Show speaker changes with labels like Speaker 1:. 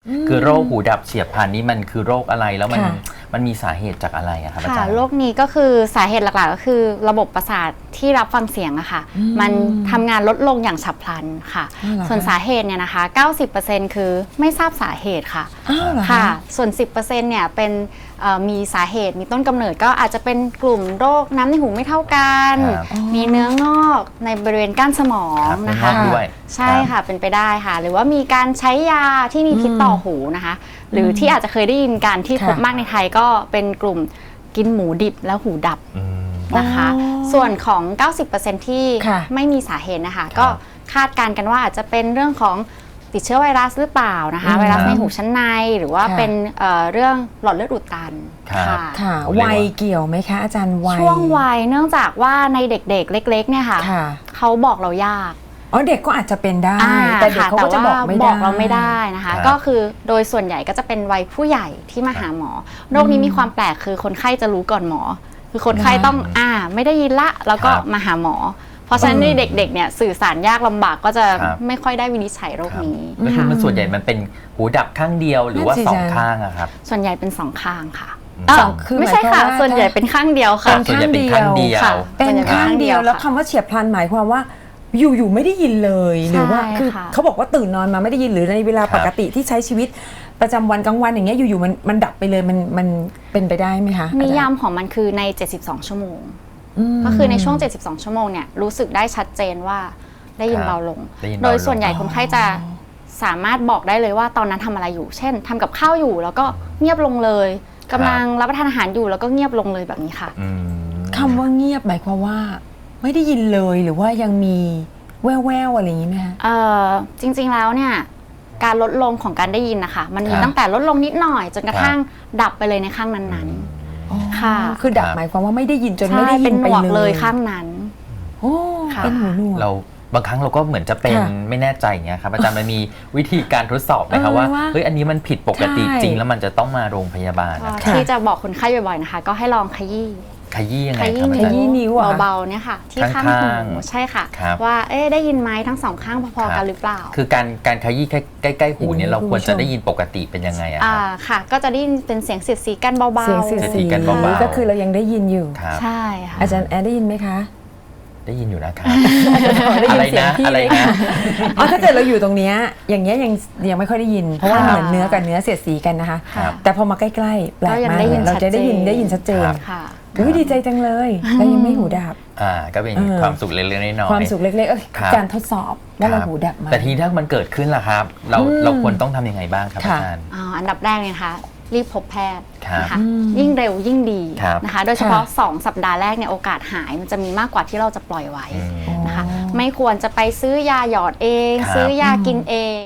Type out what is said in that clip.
Speaker 1: คือโรคหูดับเฉียบพลันนี่มันคือโรคอะไรแล้วมันมีสาเหตุจากอะไรอะครับอาจารย์
Speaker 2: โรคนี้ก็คือสาเหตุหลักๆก็คือระบบประสาทที่รับฟังเสียงอะค่ะมันทำงานลดลงอย่างฉับพลันค่ะส่วนสาเหตุเนี่ยนะคะ 90% คือไม่ทราบสาเหตุค่ะค่ะส่วน 10% เนี่ยเป็นมีสาเหตุมีต้นกำเนิดก็อาจจะเป็นกลุ่มโรคน้ำในหูไม่เท่ากันมีเนื้องอกในบริเวณก้านสมองนะคะใช่ค่ะเป็นไปได้ค่ะหรือว่ามีการใช้ยาที่มีพิษต่อหูนะคะหรือที่อาจจะเคยได้ยินการที่พบมากในไทยก็เป็นกลุ่มกินหมูดิบแล้วหูดับนะคะส่วนของ 90% ที่ไม่มีสาเหตุนะคะก็คาดการณ์กันว่าอาจจะเป็นเรื่องของติดเชื้อไวรัสหรือเปล่านะคะไวรัสในหูชั้นในหรือว่าเป็นเรื่องหลอดเลือดอุดตัน
Speaker 3: ค่ะวัยเกี่ยวไหมคะอาจารย์วัย
Speaker 2: ช่วงวัยเนื่องจากว่าในเด็กๆเล็กๆเนี่ยค่ะเขาบอกเรายาก
Speaker 3: เด็กก็อาจจะเป็นได้แต่เด็กเขาก็จะบอก
Speaker 2: เราไม่ได้นะคะก็คือโดยส่วนใหญ่ก็จะเป็นวัยผู้ใหญ่ที่มาหาหมอโรคนี้มีความแปลกคือคนไข้จะรู้ก่อนหมอคือคนไข้ต้องไม่ได้ยินละแล้วก็มาหาหมอเพราะฉะนั้นในเด็กๆเนี่ยสื่อสารยากลำบากก็จะไม่ค่อยได้วินิจฉัยโรคนี้
Speaker 1: คือมันส่วนใหญ่มันเป็นหูดับข้างเดียวหรือว่าสองข้างอะครับ
Speaker 2: ส่วนใหญ่เป็น2ข้างค่ะไม่ใช่ค่ะส่วนใหญ่เป็นข้างเดียวค่ะ
Speaker 1: ส่วนใหญ่เป็นข้างเดียว
Speaker 3: เป็นข้างเดียวแล้วคำว่าเฉียบพลันหมายความว่าอยู่ไม่ได้ยินเลยหรือว่าคือเขาบอกว่าตื่นนอนมาไม่ได้ยินหรือในเวลาปกติที่ใช้ชีวิตประจำวันกลางวันอย่างเงี้ยอยู่ๆมันดับไปเลยมันเป็นไปได้ไหมคะ
Speaker 2: นิยามของมันคือใน72ชั่วโมงก็คือในช่วง72ชั่วโมงเนี่ยรู้สึกได้ชัดเจนว่าได้ยินเบาลงโดยส่วนใหญ่คนไข้จะสามารถบอกได้เลยว่าตอนนั้นทำอะไรอยู่เช่นทำกับข้าวอยู่แล้วก็เงียบลงเลยกำลังรับประทานอาหารอยู่แล้วก็เงียบลงเลยแบบนี้ค่ะ
Speaker 3: คำว่าเงียบหมายความว่าไม่ได้ยินเลยหรือว่ายังมีแว่วๆอะไรอย่างนี้ไหมคะ
Speaker 2: จริงๆแล้วเนี่ยการลดลงของการได้ยินนะคะมันมีตั้งแต่ลดลงนิดหน่อยจนกระทั่งดับไปเลยในข้างนั้นๆค่ะ
Speaker 3: คือดับหมายความว่าไม่ได้ยินจนไม่ได้ยินไป
Speaker 2: เลยข้างนั้น
Speaker 3: เป็นหูหนวก
Speaker 1: เราบางครั้งเราก็เหมือนจะเป็นไม่แน่ใจอย่างเงี้ยครับอาจารย์มันมีวิธีการทดสอบไหมคะว่าเฮ้ยอันนี้มันผิดปกติจริงแล้วมันจะต้องมาโรงพยาบาล
Speaker 2: ที่จะบอกคนไข้บ่อยๆนะคะก็ให้ลองขยี้
Speaker 1: ยังไงครับ
Speaker 2: ขยี้นิ้วเบาๆเนี่ยค่ะที่ข้างหูใช่ค่ะว่าได้ยินไหมทั้งสองข้างพอๆกันหรือเปล่า
Speaker 1: คือการขยี้ใกล้ๆหูเนี่ยเราควรจะได้ยินปกติเป็นยังไงอะครับ
Speaker 2: ค่ะก็จะได้ยินเป็นเสียงเสียดสีกันเบาๆ
Speaker 3: เสียงเสียดสีกันเบาๆก็คือเรายังได้ยินอยู่
Speaker 2: ใช่ค่ะ
Speaker 3: อาจารย์แอดได้ยินไหมคะ
Speaker 1: ได้ยินอยู่นะครับอะไรนะ
Speaker 3: ถ้าเกิดเราอยู่ตรงนี้อย่างเงี้ยยังไม่ค่อยได้ยินเพราะว่าเหมือนเนื้อกับเนื้อเสียดสีกันนะคะแต่พอมาใกล้ๆแปลกมากเราจะได้ยินชัดเจนดีใจจังเลยเรายังไม่หูดับ
Speaker 1: ก็เป็นความสุขเล็กๆน้อยๆ
Speaker 3: ความสุขเล็กๆการทดสอบว่าเราหูดับไหม
Speaker 1: แต่ทีถ้ามันเกิดขึ้นล่ะครับเราควรต้องทำยังไงบ้างครับอาจารย์
Speaker 2: อันดับแรกเนี่ยนะคะรีบพบแพทย์นะคะยิ่งเร็วยิ่งดีนะคะโดยเฉพาะ2สัปดาห์แรกเนี่ยโอกาสหายมันจะมีมากกว่าที่เราจะปล่อยไว้นะคะไม่ควรจะไปซื้อยาหยอดเองซื้อยากินเอง